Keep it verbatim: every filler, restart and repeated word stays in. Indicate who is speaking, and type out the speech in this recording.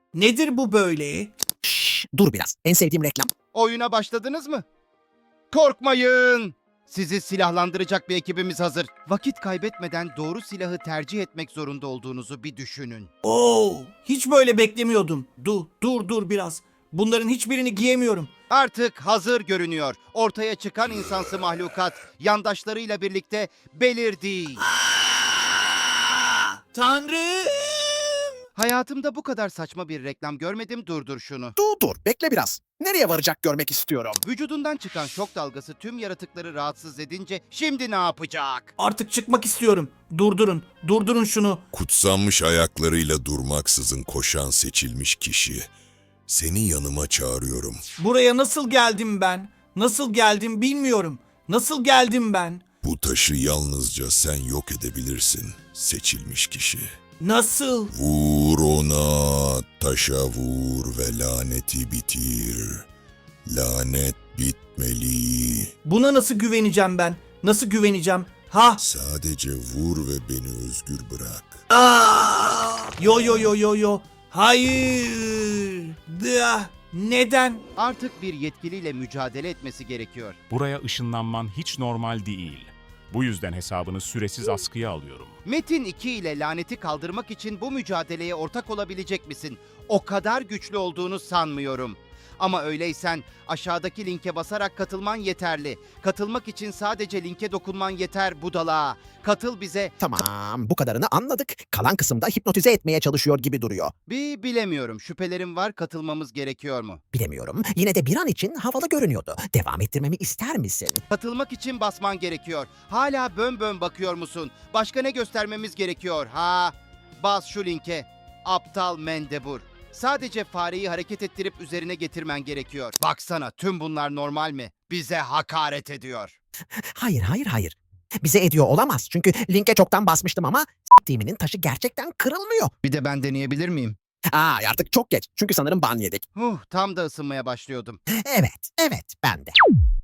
Speaker 1: Nedir bu böyle?
Speaker 2: Şşş, dur biraz. En sevdiğim reklam.
Speaker 3: Oyuna başladınız mı? Korkmayın! Sizi silahlandıracak bir ekibimiz hazır. Vakit kaybetmeden doğru silahı tercih etmek zorunda olduğunuzu bir düşünün.
Speaker 1: Oo, hiç böyle beklemiyordum. Dur, dur, dur biraz. Bunların hiçbirini giyemiyorum.
Speaker 3: Artık hazır görünüyor. Ortaya çıkan insansı mahlukat yandaşlarıyla birlikte belirdi.
Speaker 1: Tanrım!
Speaker 3: Hayatımda bu kadar saçma bir reklam görmedim. Durdur şunu.
Speaker 2: Dur dur, bekle biraz. Nereye varacak görmek istiyorum.
Speaker 3: Vücudundan çıkan şok dalgası tüm yaratıkları rahatsız edince şimdi ne yapacak?
Speaker 1: Artık çıkmak istiyorum. Durdurun, durdurun şunu.
Speaker 4: Kutsanmış ayaklarıyla durmaksızın koşan seçilmiş kişi. Seni yanıma çağırıyorum.
Speaker 1: Buraya nasıl geldim ben? Nasıl geldim bilmiyorum. Nasıl geldim ben?
Speaker 4: Bu taşı yalnızca sen yok edebilirsin, seçilmiş kişi.
Speaker 1: Nasıl?
Speaker 4: Vur ona, taşa vur ve laneti bitir. Lanet bitmeli.
Speaker 1: Buna nasıl güveneceğim ben? Nasıl güveneceğim? Ha?
Speaker 4: Sadece vur ve beni özgür bırak.
Speaker 1: Aa! Yo yo yo yo yo. Hayır. Dıa. Neden?
Speaker 3: Artık bir yetkiliyle mücadele etmesi gerekiyor.
Speaker 5: Buraya ışınlanman hiç normal değil. Bu yüzden hesabını süresiz askıya alıyorum.
Speaker 3: Metin iki ile laneti kaldırmak için bu mücadeleye ortak olabilecek misin? O kadar güçlü olduğunu sanmıyorum. Ama öyleysen aşağıdaki linke basarak katılman yeterli. Katılmak için sadece linke dokunman yeter budala. Katıl bize.
Speaker 2: Tamam, bu kadarını anladık. Kalan kısımda hipnotize etmeye çalışıyor gibi duruyor.
Speaker 3: Bir bilemiyorum. Şüphelerim var. Katılmamız gerekiyor mu?
Speaker 2: Bilemiyorum. Yine de bir an için havalı görünüyordu. Devam ettirmemi ister misin?
Speaker 3: Katılmak için basman gerekiyor. Hala bön bön bakıyor musun? Başka ne göstermemiz gerekiyor? Ha? Bas şu linke. Aptal mendebur. Sadece fareyi hareket ettirip üzerine getirmen gerekiyor. Baksana, tüm bunlar normal mi? Bize hakaret ediyor.
Speaker 2: Hayır, hayır, hayır. Bize ediyor olamaz. Çünkü linke çoktan basmıştım ama s**timinin taşı gerçekten kırılmıyor.
Speaker 3: Bir de ben deneyebilir miyim?
Speaker 2: Aa, artık çok geç. Çünkü sanırım ban yedik.
Speaker 3: Huh, tam da ısınmaya başlıyordum.
Speaker 2: Evet, evet, ben de.